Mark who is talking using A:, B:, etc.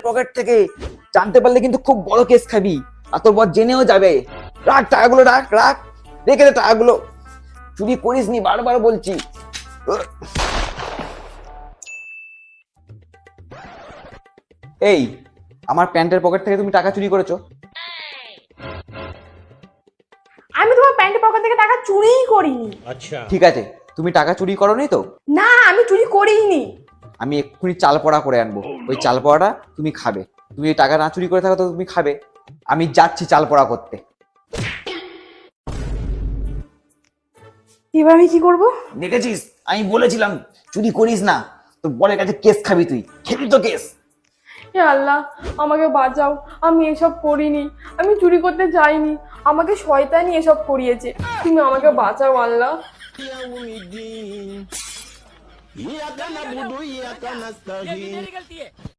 A: Pocket থেকে জানতে পারলে কিন্তু খুব বড় কেস খাবি, আর তোর বর জেনেও যাবে। রাখ টাকাগুলো, রাখ রাখ, রেখে দে টাকাগুলো। চুরি করিস নি, বারবার বলছি। এই, আমার প্যান্টের পকেট থেকে তুমি টাকা চুরি করেছো?
B: আমি তোমার প্যান্টের পকেট থেকে টাকা চুরিই করিনি।
C: अच्छा
A: ঠিক আছে, তুমি টাকা চুরি করোনি তো?
B: না, আমি চুরি করিনি।
A: আমি এক্ষুনি চাল পড়া করে আনবো, ওই চাল পড়াটা তুমি খাবে। তুমি এই টাকা না চুরি করে থাকো তো তুমি খাবে। আমি যাচ্ছি চাল পড়া করতে।
B: এবার আমি কি করব?
A: দেখেছিস, আমি বলেছিলাম চুরি করিস না, তোর বরের কাছে কেস খাবি, তুই খেবি তো কেস।
B: হে আল্লাহ, আমাকে বাঁচাও, আমি এসব করিনি, আমি চুরি করতে যাইনি, আমাকে শয়তানি এসব করিয়েছে। তুমি আমাকে বাঁচাও আল্লাহ।
C: इयाका नअबुदु इयाका नस्तईन